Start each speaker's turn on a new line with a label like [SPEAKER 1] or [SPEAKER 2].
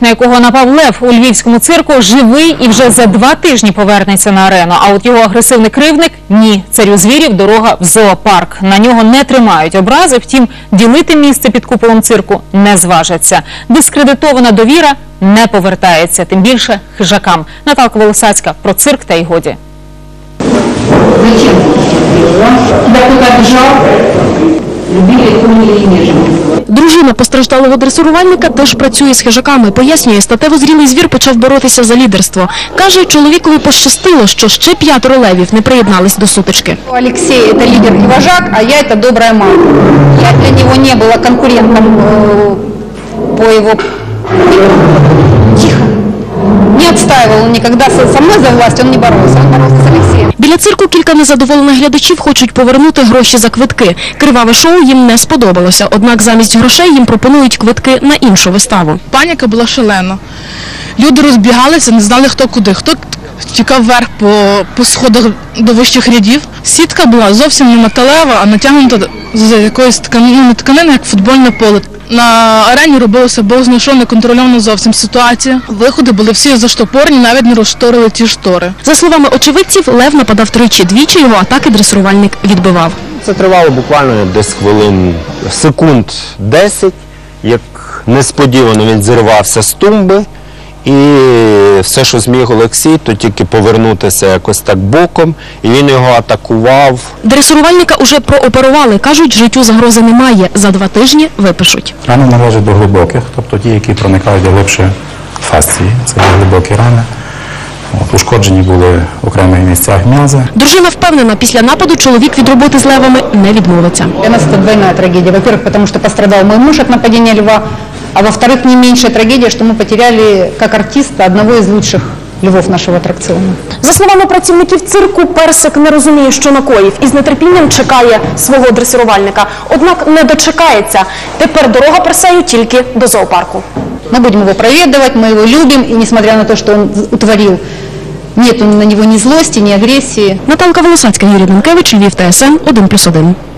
[SPEAKER 1] на якого напав лев у львівському цирку, живий і вже за 2 тижні повернеться на арену. А от його агресивний кривдник – ні. Царю звірів дорога в зоопарк. На нього не тримають образи, втім, ділити місце під куполом цирку не зважаться. Дискредитована довіра не повертається, тим більше хижакам. Наталка Волосацька про цирк та й годі.
[SPEAKER 2] Дружина постраждалого дресурувальника теж працює з хижаками. Пояснює, статево зрілий звір почав боротися за лідерство. Каже, чоловікові пощастило, що ще 5 левів не приєднались до сутички.
[SPEAKER 3] Алексей – это лидер и вожак, а я – это добрая мама. Я для него не была конкурентом по его... Тихо. Не отстаивал он никогда со мной за власть, он не боролся, он боролся с Алексеем.
[SPEAKER 2] Біля цирку кілька незадоволених глядачів хочуть повернути гроші за квитки. Криваве шоу їм не сподобалося, однак замість грошей їм пропонують квитки на іншу виставу.
[SPEAKER 4] Паніка була шалена. Люди розбігалися, не знали хто куди. Хто тікав вверх по сходах до вищих рядів. Сітка була зовсім не металева, а натягнута з якоїсь тканини, як футбольне поле. На арені робилося бог знає що, неконтрольована зовсім ситуація. Виходи були всі заштопорні, навіть не розшторили ті штори.
[SPEAKER 2] За словами очевидців, лев нападав тричі, двічі його атаки дресурувальник відбивав.
[SPEAKER 5] Це тривало буквально десь секунд 10, як несподівано він зірвався з тумби. І все, що зміг Олексій, то тільки повернутися якось так боком, і він його атакував.
[SPEAKER 2] Дресурувальника уже прооперували. Кажуть, життю загрози немає. За 2 тижні випишуть.
[SPEAKER 6] Рани належать до глибоких, тобто ті, які проникають глибше фасції. Це глибокі рани. Ушкоджені були в окремих місцях м'язи.
[SPEAKER 2] Дружина впевнена, після нападу чоловік від роботи з левами не відмовиться.
[SPEAKER 3] Для нас это двойная трагедия. Во-первых, потому что пострадал мой муж от нападения льва, а во-вторых, не меньшая трагедия, что мы потеряли как артиста одного из лучших львов нашого атракціону.
[SPEAKER 2] За словами працівників цирку, Персик не розуміє, що накоїв, і з нетерпінням чекає свого дресурувальника. Однак не дочекається. Тепер дорога Персею тільки до зоопарку.
[SPEAKER 3] Мы будем его проведывать, мы его любим, и несмотря на то, что он утворил, нет на него ни злости, ни агрессии.
[SPEAKER 2] Наталка Волосацька, Юрій Данкевич, Львів, ТСН 1+1.